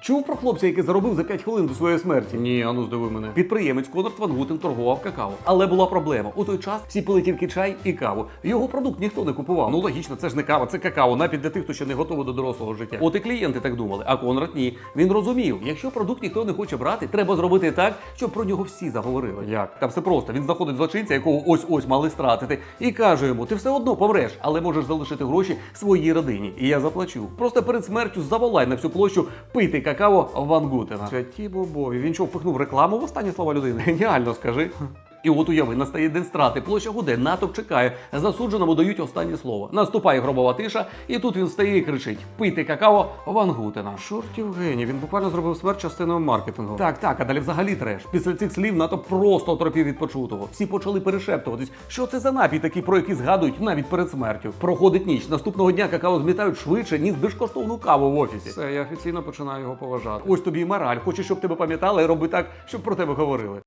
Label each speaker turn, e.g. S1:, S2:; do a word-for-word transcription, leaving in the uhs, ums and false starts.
S1: Чув про хлопця, який заробив за п'ять хвилин до своєї смерті? Ні, ану здиви мене. Підприємець Конрад Ван Гутен торгував какао. Але була проблема. У той час всі пили тільки чай і каву. Його продукт ніхто не купував. Ну логічно, це ж не кава, це какао, напій для тих, хто ще не готовий до дорослого життя. От і клієнти так думали, а Конрад ні. Він розумів, якщо продукт ніхто не хоче брати, треба зробити так, щоб про нього всі заговорили. Як? Та все просто. Він знаходить злочинця, якого ось-ось мали стратити, і каже йому: ти все одно помреш, але можеш залишити гроші своїй родині. І я заплачу. Просто перед смертю заволай на всю площу пити какао Ван Гутена. Святі бобові. Він що, впихнув рекламу в останні слова людини? Геніально, скажи. І от уяви, настає день страти, площа гуде, натовп чекає, засудженому дають останнє слово. Наступає гробова тиша, і тут він встає і кричить: пийте какао Ван Гутена. Чортів геній, він буквально зробив смерть частиною маркетингу. Так, так, а далі взагалі треш. Після цих слів натовп просто отропів від почутого. Всі почали перешептуватись, що це за напій такий, про який згадують навіть перед смертю. Проходить ніч, наступного дня какао змітають швидше, ніж безкоштовну каву в офісі. Все, я офіційно починаю його поважати. Ось тобі і мораль. Хочеш, щоб тебе пам'ятали, роби так, щоб про тебе говорили.